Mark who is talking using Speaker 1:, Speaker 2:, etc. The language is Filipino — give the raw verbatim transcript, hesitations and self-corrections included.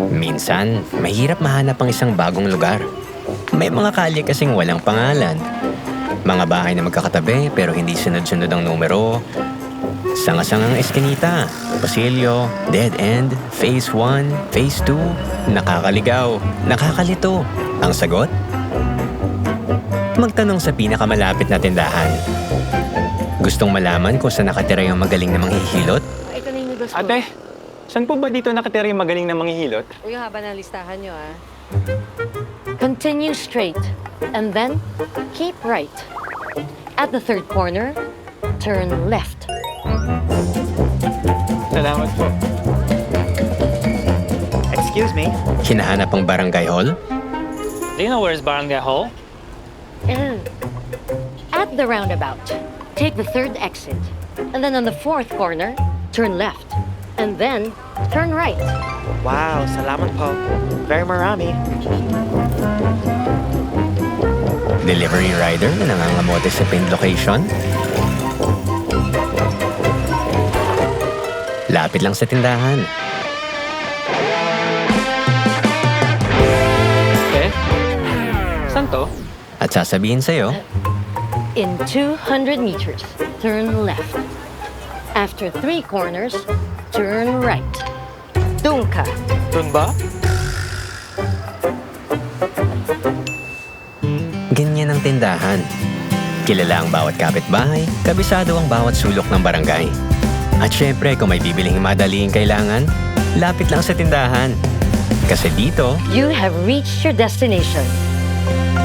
Speaker 1: Minsan, mahirap mahanap ang isang bagong lugar. May mga kalye kasing walang pangalan. Mga bahay na magkakatabi pero hindi sunod-sunod ang numero. Sanga-sangang eskinita, pasilyo, dead end, phase one, phase two, nakakaligaw, nakakalito. Ang sagot? Magtanong sa pinakamalapit na tindahan. Gustong malaman kung saan nakatira yung magaling na manghihilot?
Speaker 2: Ito na yung noodles ko.
Speaker 3: Ate, saan po ba dito nakatira yung magaling na manghihilot?
Speaker 2: Uy, yung haba ng listahan nyo, ah. Continue straight, and then keep right. At the third corner, turn left.
Speaker 3: Salamat po.
Speaker 4: Excuse me?
Speaker 1: Hinahanap ang barangay hall?
Speaker 3: Do you know where's Barangay Hall?
Speaker 2: And at the roundabout, take the third exit. And then on the fourth corner, turn left. And then turn right.
Speaker 4: Wow, salamat po. Very marami.
Speaker 1: Delivery rider na nangangamote sa pinned location? Lapit lang sa tindahan.
Speaker 3: Eh? Saan to?
Speaker 1: At sasabihin sa'yo,
Speaker 2: In two hundred meters, turn left. After three corners, turn right. Doon ka.
Speaker 3: Doon ba?
Speaker 1: ganyan ang tindahan. Kilala ang bawat kapitbahay, kabisado ang bawat sulok ng barangay. At syempre, kung may bibiling madaling kailangan, lapit lang sa tindahan. Kasi dito,
Speaker 2: You have reached your destination.